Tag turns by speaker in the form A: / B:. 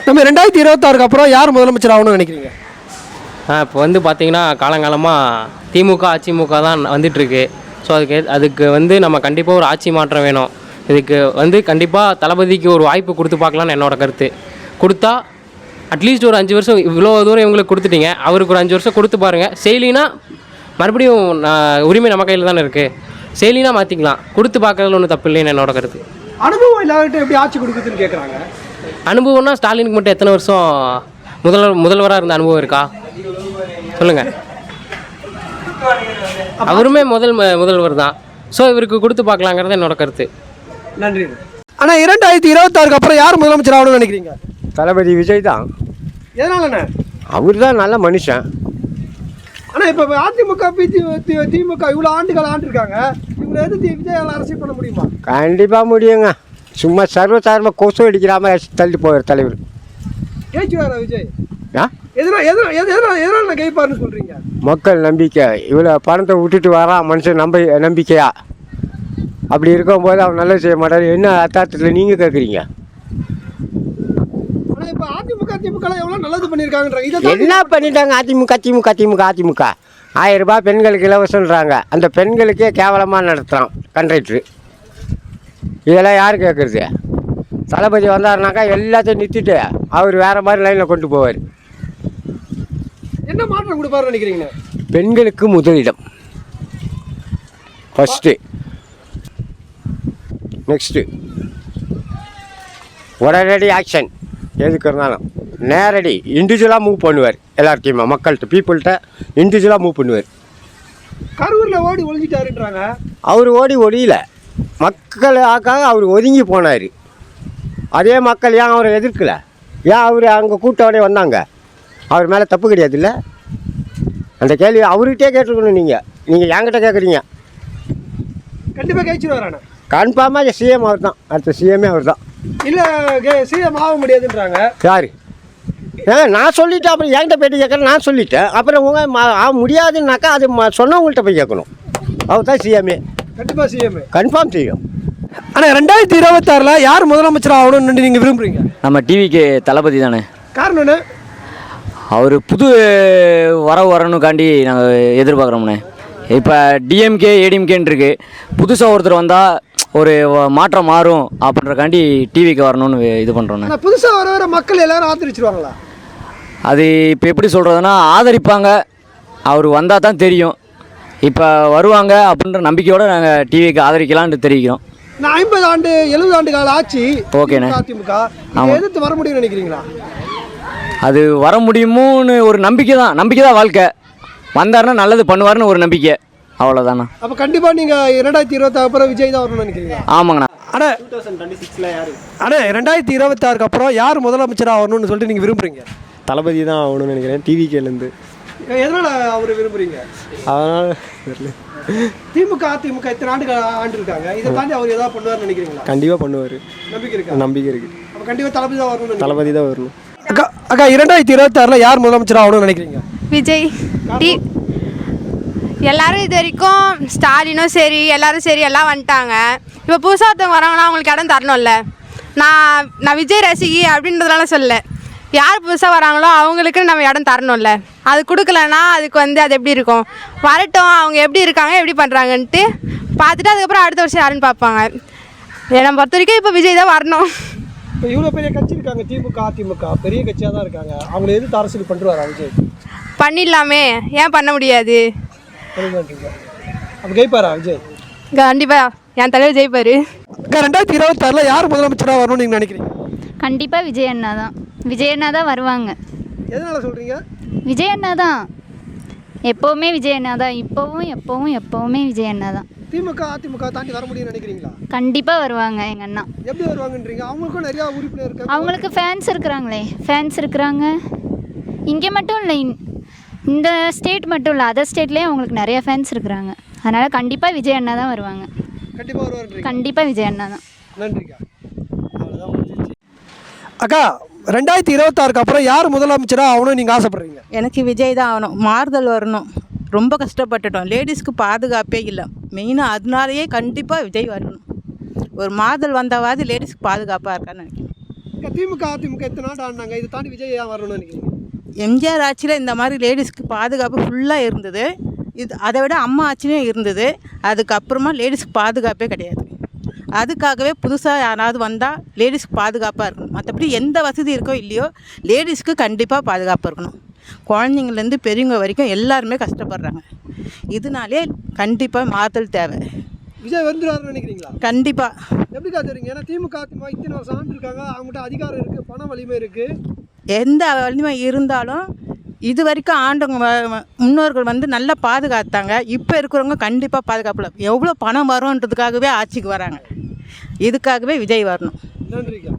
A: நம்ம 2026க்கு அப்புறம் யார் முதலமைச்சர் ஆகணும்னு நினைக்கிறீங்க?
B: இப்போ வந்து பார்த்திங்கன்னா காலங்காலமாக திமுக அதிமுக தான் வந்துட்டுருக்கு. ஸோ அதுக்கு வந்து நம்ம கண்டிப்பாக ஒரு ஆட்சி மாற்றம் வேணும். இதுக்கு வந்து கண்டிப்பாக தளபதிக்கு ஒரு வாய்ப்பு கொடுத்து பார்க்கலான்னு என்னோடய கருத்து. கொடுத்தா அட்லீஸ்ட் ஒரு 5 வருஷம் இவ்வளோ தூரம் இவங்களுக்கு கொடுத்துட்டீங்க, அவருக்கு ஒரு 5 வருஷம் கொடுத்து பாருங்கள். செய்யலினா மறுபடியும் உரிமை நம்ம கையில் தானே இருக்குது. செய்யலினா மாற்றிக்கலாம். கொடுத்து பார்க்கறதுல ஒன்றும் தப்பு இல்லைன்னு என்னோட கருத்து.
A: அனுபவம் இல்லாத எப்படி ஆட்சி கொடுக்குதுன்னு கேட்குறாங்க.
B: அனுபவம்னா ஸ்டாலினுக்கு மட்டும் எத்தனை வருஷம் முதல்வராக இருந்த அனுபவம் இருக்கா சொல்லுங்கள்? அவருமே முதல்வர் தான். ஸோ இவருக்கு கொடுத்து பார்க்கலாங்கிறது என்னோட கருத்து.
A: நன்றி. ஆனால் 2026க்கு அப்புறம் யார் முதலமைச்சர் ஆகணும்னு நினைக்கிறீங்க?
C: தளபதி விஜய் தான்.
A: எதனாலண்ணே?
C: அவர் தான் நல்ல மனுஷன்.
A: ஆனால் இப்போ அதிமுக திமுக இவ்வளோ ஆண்டுகள் ஆண்டிருக்காங்க. இவங்களை எதிர்த்து விஜயால் அரசியல் பண்ண முடியுமா?
C: கண்டிப்பாக முடியுங்க. சும்மா சர்வசாரமாக கொசு அடிக்கிறாம தள்ளி போகிற தலைவர்.
A: ஜெயிச்சுவாரா விஜய்?
C: ஆ
A: எதனால கைப்பாருன்னு சொல்கிறீங்க?
C: மக்கள் நம்பிக்கை. இவ்வளோ பணத்தை விட்டுட்டு வரான் மனுஷன் நம்பிக்கையா. அப்படி இருக்கும்போது அவன் நல்லது செய்ய மாட்டார். என்ன அர்த்தத்தில் நீங்கள் கேட்குறீங்க?
A: ஆனால் இப்போ அதிமுக திமுகலாம் எவ்வளோ நல்லது பண்ணியிருக்காங்கன்றாங்க.
C: என்ன பண்ணிட்டாங்க? அதிமுக 1000 ரூபாய் பெண்களுக்கு இலவசன்றாங்க. அந்த பெண்களுக்கே கேவலமாக நடத்துகிறான் கண்ட்ராக்டரு. இதெல்லாம் யார் கேட்குறது? தளபதி வந்தாருனாக்கா எல்லாத்தையும் நிறுத்திட்டு அவர் வேறு மாதிரி லைனில் கொண்டு போவார்.
A: என்ன மாற்றம் கொடுப்பாருன்னு நினைக்கிறீங்க?
C: பெண்களுக்கு முதலிடம் ஃபஸ்ட்டு. நெக்ஸ்ட்டு உடனடி ஆக்ஷன். எதுக்கு இருந்தாலும் நேரடி இண்டிவிஜுவலாக மூவ் பண்ணுவார். எல்லார்ட்டையுமே மக்கள்கிட்ட பீப்புள்கிட்ட இண்டிவிஜுவலாக மூவ் பண்ணுவார்.
A: கரூரில் ஓடி ஒழிஞ்சிட்டாருன்றாங்க.
C: அவர் ஒழியல, மக்களுக்காக அவர் ஒதுங்கி போனார். அதே மக்கள் ஏன் அவரை எதிர்க்கலை? ஏன் அவர் அங்கே கூட்டோடய வந்தாங்க? அவர் மேலே தப்பு கிடையாது இல்லை? அந்த கேள்வி அவர்கிட்டே கேட்டுருக்கணும். நீங்கள் என்கிட்ட கேட்குறீங்க.
A: கண்டிப்பாக கைச்சிடுவாராண்ணா.
C: கன்ஃபார்மாக சிஎம் அவர் தான். அடுத்த சிஎம்மே அவர் தான்.
A: இல்லை சிஎம் ஆக முடியாதுன்றாங்க.
C: யார்? நான் சொல்லிட்டேன். அப்புறம் என்கிட்ட போய்ட்டு கேட்குறேன். நான் சொல்லிட்டேன். அப்புறம் ஆக முடியாதுன்னாக்கா அது சொன்னவங்கள்ட்ட போய் கேட்கணும். அவர் தான் சிஎம்ஏ.
A: கண்டிப்பாக சிஎம்
C: கன்ஃபார்ம் செய்யும்.
A: ஆனால் 2026ல் யார் முதலமைச்சர் ஆகணும்னு நீங்கள் விரும்புகிறீங்க?
D: நம்ம டிவிக்கு தளபதி தானே.
A: காரணம் என்ன?
D: அவர் புது வரணுக்காண்டி நாங்கள் எதிர்பார்க்குறோம்ண்ணே. இப்போ டிஎம்கே ஏடிஎம்கேன்னு இருக்குது. புதுசாக ஒருத்தர் வந்தால் ஒரு மாற்றம் மாறும் அப்படின்றக்காண்டி டிவிக்கு வரணும்னு இது பண்ணுறோண்ணே.
A: புதுசாக வர மக்கள் எல்லோரும் ஆதரிச்சிருவாங்களா?
D: அது இப்போ எப்படி சொல்கிறதுனா ஆதரிப்பாங்க. அவர் வந்தால் தான் தெரியும். இப்போ வருவாங்க அப்படின்ற நம்பிக்கையோடு நாங்கள் டிவிக்கு ஆதரிக்கலான்னு தெரிவிக்கிறோம்.
A: நான் 50 ஆண்டு 70 ஆண்டு கால ஆட்சி.
D: ஓகேண்ணே.
A: அதிமுக எதிர்த்து வர முடியும்னு நினைக்கிறீங்களா?
D: அது வர முடியுமோன்னு ஒரு நம்பிக்கை தான் வாழ்க்கை. வந்தாருன்னா நல்லது பண்ணுவார்னு ஒரு நம்பிக்கை, அவ்வளோதாண்ணா.
A: அப்போ கண்டிப்பாக நீங்கள் 2026 அப்புறம் விஜய் தான் வரணும்னு நினைக்கிறீங்களா?
D: ஆமாங்கண்ணா.
A: ஆனால் 2026ல் யார்? ஆனால் 2026க்கு அப்புறம் யார் முதலமைச்சராக வரணும்னு சொல்லிட்டு நீங்கள் விரும்புகிறீங்க?
E: தளபதி தான் ஆகணும்னு நினைக்கிறேன். டிவிகேலேருந்து.
A: எதனால் அவர் விரும்புகிறீங்க?
E: அதனால்
A: திமுக அதிமுக இத்தனை ஆண்டுகள் ஆண்டிருக்காங்க. இதை தாண்டி அவர் ஏதாவது பண்ணுவார்னு நினைக்கிறீங்களா?
E: கண்டிப்பாக பண்ணுவார். நம்பிக்கை இருக்குது.
A: அப்போ கண்டிப்பாக தளபதி தான் வரணும்.
E: தளபதி தான் வரணும்.
A: அக்கா 2026ல் யார் முதலமைச்சர் ஆகணும்னு நினைக்கிறீங்க?
F: விஜய். எல்லாரும் இது வரைக்கும் ஸ்டாலினும் சரி எல்லாரும் சரி எல்லாம் வந்துட்டாங்க. இப்போ புதுசாக ஒருத்தவங்க வராங்கன்னா அவங்களுக்கு இடம் தரணும்ல. நான் விஜய் ரசிகி அப்படின்றதுனால சொல்ல, யார் புதுசாக வராங்களோ அவங்களுக்கு நம்ம இடம் தரணும்ல. அது கொடுக்கலன்னா அதுக்கு அது எப்படி இருக்கும்? வரட்டும், அவங்க எப்படி இருக்காங்க எப்படி பண்ணுறாங்கன்ட்டு பார்த்துட்டு அதுக்கப்புறம் அடுத்த வருஷம் யாருன்னு பார்ப்பாங்க. என்னை பொறுத்த வரைக்கும் இப்போ விஜய் தான் வரணும்.
A: இப்போ இவ்வளோ பெரிய கட்சி இருக்காங்க, திமுக அதிமுக பெரிய கட்சியாக தான் இருக்காங்க. அவங்கள எதிர்த்து அரசியல் பண்ணுறாரா விஜய்?
F: பண்ணிடலாமே, ஏன் பண்ண முடியாது?
A: அப்போ ஜெயிப்பாரா விஜய்?
F: கண்டிப்பாக என் தலைவர் ஜெயிப்பார்.
A: 2026ல் யார் முதலமைச்சராக வரணும்னு நீங்கள் நினைக்கிறீங்க?
G: கண்டிப்பாக விஜய் அண்ணா தான். விஜய் அண்ணா தான் வருவாங்க.
A: எதனால் சொல்கிறீங்க?
G: விஜய் அண்ணா தான் எப்போவுமே. விஜய் அண்ணா தான் எப்போவுமே விஜய் அண்ணா தான்.
A: திமுக அதிமுக தாண்டி வர முடியும்னு நினைக்கிறீங்களா?
G: கண்டிப்பாக வருவாங்க எங்கள் அண்ணா.
A: எப்படி வருவாங்கன்றீங்க? அவங்களுக்கும் நிறையா உறுப்பினர் இருக்காங்க.
G: அவங்களுக்கு ஃபேன்ஸ் இருக்கிறாங்க. இங்கே மட்டும் இல்லை, இந்த ஸ்டேட் மட்டும் இல்லை, அதர் ஸ்டேட்லேயும் அவங்களுக்கு நிறைய ஃபேன்ஸ் இருக்கிறாங்க. அதனால் கண்டிப்பாக விஜய் அண்ணா தான் வருவாங்க.
A: கண்டிப்பாக வருவாங்க.
G: கண்டிப்பாக விஜய் அண்ணா தான்.
A: நன்றிக்கா. அவ்வளோதான் முடிஞ்சிச்சு. அக்கா 2026க்கு அப்புறம் யார் முதலமைச்சராக ஆகணும்னு நீங்கள் ஆசைப்படுறீங்க?
H: எனக்கு விஜய் தான் ஆகணும். மாறுதல் வரணும். ரொம்ப கஷ்டப்பட்டுட்டோம். லேடிஸ்க்கு பாதுகாப்பே இல்லை. மெயினாக அதனாலேயே கண்டிப்பாக விஜய் வரணும். ஒரு மாறுதல் வந்தவாது லேடிஸ்க்கு பாதுகாப்பாக இருக்கான்னு நினைக்கிறேன்.
A: அக்கா, திமுக அதிமுக எத்தனை நாடு ஆடினாங்க, இதை தாண்டி விஜய் ஏன் வரணும்னு நினைக்கிறீங்க?
H: எம்ஜிஆர் ஆட்சியில் இந்த மாதிரி லேடிஸ்க்கு பாதுகாப்பு ஃபுல்லாக இருந்தது. இது அதை விட அம்மா ஆட்சியும் இருந்தது. அதுக்கப்புறமா லேடிஸ்க்கு பாதுகாப்பே கிடையாது. அதுக்காகவே புதுசாக யாராவது வந்தால் லேடிஸ்க்கு பாதுகாப்பாக இருக்கணும். மற்றபடி எந்த வசதி இருக்கோ இல்லையோ லேடிஸ்க்கு கண்டிப்பாக பாதுகாப்பாக இருக்கணும். குழந்தைங்கள்லேருந்து பெரியவங்க வரைக்கும் எல்லாருமே கஷ்டப்படுறாங்க. இதனாலே கண்டிப்பாக மாற்றல் தேவை.
A: விஜய் வந்துடுவாருன்னு நினைக்கிறீங்களா?
H: கண்டிப்பாக.
A: எப்படிக்கா தெரியுங்க? ஏன்னா திமுக அதிமுக இத்தனை வருஷம் ஆண்டு இருக்காங்க, அவங்ககிட்ட அதிகாரம் இருக்குது, பண வலிமை இருக்குது.
H: எந்த வலிமை இருந்தாலும் இது வரைக்கும் ஆண்டவங்க முன்னோர்கள் வந்து நல்லா பாதுகாத்தாங்க. இப்போ இருக்கிறவங்க கண்டிப்பாக பாதுகாப்பில் எவ்வளோ பணம் வரும்ன்றதுக்காகவே ஆட்சிக்கு வராங்க. இதுக்காகவே விஜய் வரணும்.
A: நன்றிக்கா.